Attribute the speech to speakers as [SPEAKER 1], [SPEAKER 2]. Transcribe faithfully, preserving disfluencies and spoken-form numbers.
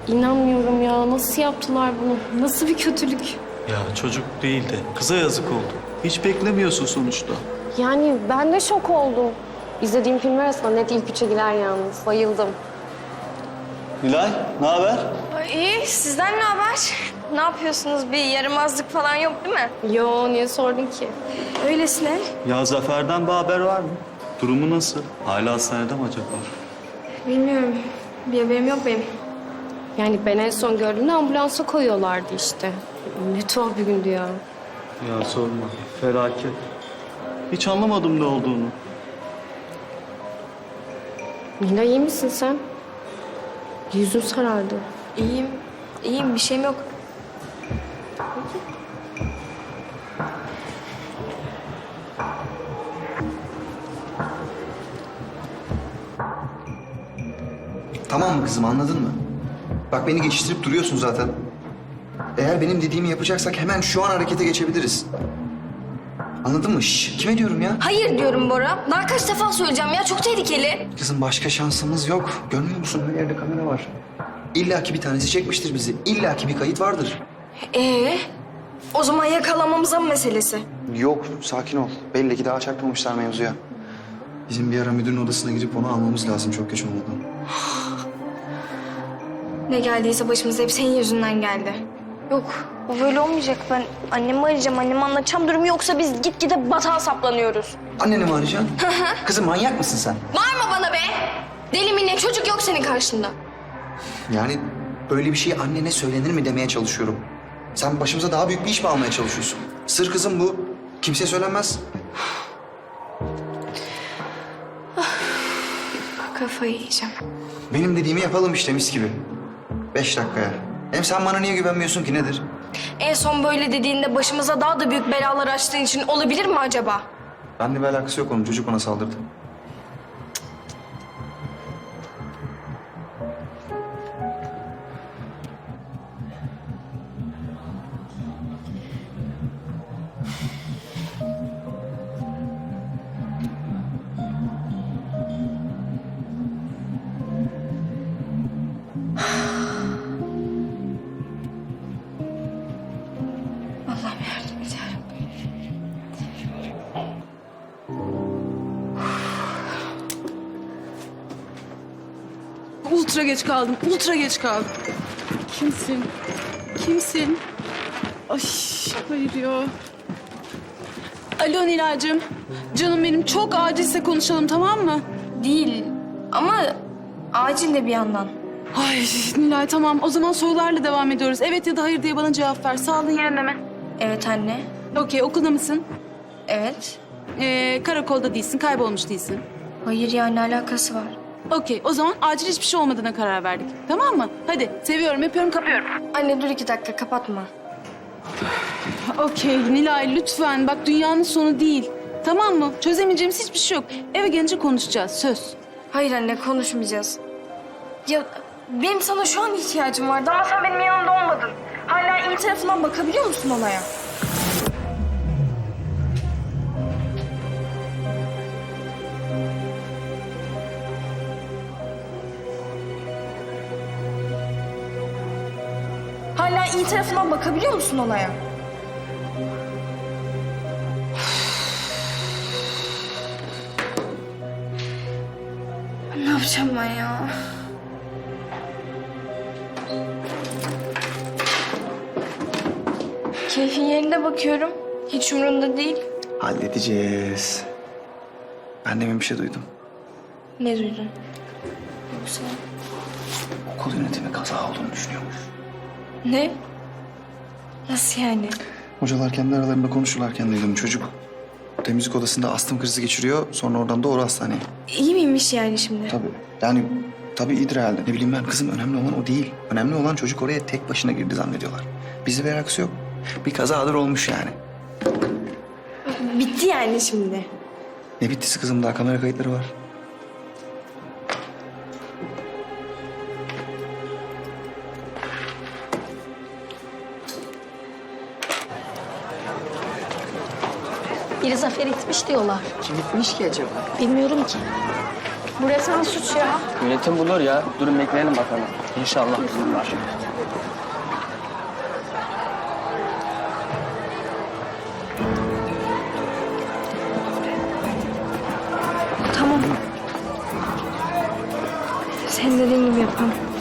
[SPEAKER 1] İnanmıyorum ya. Nasıl yaptılar bunu? Nasıl bir kötülük?
[SPEAKER 2] Ya çocuk değil de kıza yazık oldu. Hiç beklemiyorsun sonuçta.
[SPEAKER 1] Yani ben de şok oldum. İzlediğim filmler arasında net ilk üçe girer yalnız. Bayıldım.
[SPEAKER 2] Nilay, ne haber?
[SPEAKER 3] İyi, sizden ne haber? Ne yapıyorsunuz? Bir yaramazlık falan yok değil mi?
[SPEAKER 1] Yo, niye sordun ki?
[SPEAKER 3] Öylesine.
[SPEAKER 2] Ya Zafer'den bir haber var mı? Durumu nasıl? Hala hastanede mi acaba?
[SPEAKER 3] Bilmiyorum. Bir haberim yok benim.
[SPEAKER 1] Yani ben en son gördüğümde ambulansa koyuyorlardı işte. Ne tuhaf bir gündü ya.
[SPEAKER 2] Ya sorma, felaket. Hiç anlamadım ne olduğunu.
[SPEAKER 1] Nina iyi misin sen? Yüzün sarardı.
[SPEAKER 3] İyiyim. İyiyim, bir şeyim yok.
[SPEAKER 4] Tamam mı kızım, anladın mı? Bak beni geçiştirip duruyorsun zaten. Eğer benim dediğimi yapacaksak hemen şu an harekete geçebiliriz. Anladın mı? Şş, kime diyorum ya?
[SPEAKER 3] Hayır diyorum Bora. Daha kaç defa söyleyeceğim ya, çok tehlikeli.
[SPEAKER 4] Kızım başka şansımız yok. Görmüyor musun? Her yerde kamera var. İlla ki bir tanesi çekmiştir bizi. İlla ki bir kayıt vardır.
[SPEAKER 3] Ee, o zaman yakalamamıza mı meselesi?
[SPEAKER 4] Yok, sakin ol. Belli ki daha çakmamışlar mevzuya. Bizim bir ara müdürün odasına gidip onu almamız lazım çok geç olmadan.
[SPEAKER 3] Ne geldiyse başımıza hep senin yüzünden geldi. Yok, bu böyle olmayacak. Ben annemi arayacağım, anneme anlatacağım durumu, yoksa biz gitgide batağa saplanıyoruz.
[SPEAKER 4] Anneni mi arayacaksın? Kızım manyak mısın sen?
[SPEAKER 3] Bağırma bana be! Deli mi ne? Çocuk yok senin karşında.
[SPEAKER 4] Yani böyle bir şey annene söylenir mi demeye çalışıyorum. Sen başımıza daha büyük bir iş mi almaya çalışıyorsun? Sır kızım bu. Kimseye söylenmez.
[SPEAKER 3] Kafayı yiyeceğim.
[SPEAKER 4] Benim dediğimi yapalım işte mis gibi. Beş dakikaya. Hem sen bana niye güvenmiyorsun ki nedir?
[SPEAKER 3] En son böyle dediğinde başımıza daha da büyük belalar açtığın için olabilir mi acaba?
[SPEAKER 4] Benimle bir alakası yok onun. Çocuk ona saldırdı.
[SPEAKER 3] Allah'ım yardım et yarabbim.
[SPEAKER 5] Ultra geç kaldım, ultra geç kaldım. Kimsin? Kimsin? Ay hayır ya. Alo Nilay'cığım. Canım benim çok acilse konuşalım tamam mı?
[SPEAKER 3] Değil ama acil de bir yandan.
[SPEAKER 5] Ay Nilay tamam o zaman sorularla devam ediyoruz. Evet ya da hayır diye bana cevap ver. Sağlığın yerinde mi?
[SPEAKER 3] Evet anne.
[SPEAKER 5] Okey okulda mısın?
[SPEAKER 3] Evet.
[SPEAKER 5] Ee, karakolda değilsin, kaybolmuş değilsin.
[SPEAKER 3] Hayır ya, ne alakası var?
[SPEAKER 5] Okey o zaman acil hiçbir şey olmadığına karar verdik. Tamam mı? Hadi seviyorum, yapıyorum, kapıyorum.
[SPEAKER 3] Anne dur iki dakika, kapatma.
[SPEAKER 5] Okey Nilay lütfen bak dünyanın sonu değil. Tamam mı? Çözemeyeceğimiz hiçbir şey yok. Eve gelince konuşacağız söz.
[SPEAKER 3] Hayır anne, konuşmayacağız. Ya benim sana şu an ihtiyacım vardı ama sen benim yanımda olmadın. Hala iyi tarafından bakabiliyor musun olaya? Hala iyi tarafından bakabiliyor musun olaya? Ne yapacağım ben ya? Keyfin yerinde bakıyorum. Hiç umurunda değil.
[SPEAKER 4] Halledeceğiz. Ben demin bir şey duydum.
[SPEAKER 3] Ne duydun? Yoksa...
[SPEAKER 4] Okul yönetimi kaza olduğunu düşünüyormuş.
[SPEAKER 3] Ne? Nasıl yani?
[SPEAKER 4] Hocalar kendi aralarında konuşurlarken duydum. Çocuk temizlik odasında astım krizi geçiriyor. Sonra oradan doğru hastaneye.
[SPEAKER 3] İyi miymiş yani şimdi?
[SPEAKER 4] Tabii. Yani tabii iyidir herhalde. Ne bileyim ben kızım, önemli olan o değil. Önemli olan çocuk oraya tek başına girdi zannediyorlar. Bizde bir alakası yok. Bir kazadır olmuş yani.
[SPEAKER 3] Bitti yani şimdi.
[SPEAKER 4] Ne bittisi kızım, daha kamera kayıtları var.
[SPEAKER 6] Biri Zafer'e gitmiş diyorlar.
[SPEAKER 7] Kim gitmiş ki acaba?
[SPEAKER 6] Bilmiyorum ki.
[SPEAKER 3] Bu resmen suç ya.
[SPEAKER 6] Yönetim bulur ya. Durun bekleyelim bakalım.
[SPEAKER 2] İnşallah bulurlar.
[SPEAKER 3] Tamam. Senin dediğin gibi yapalım.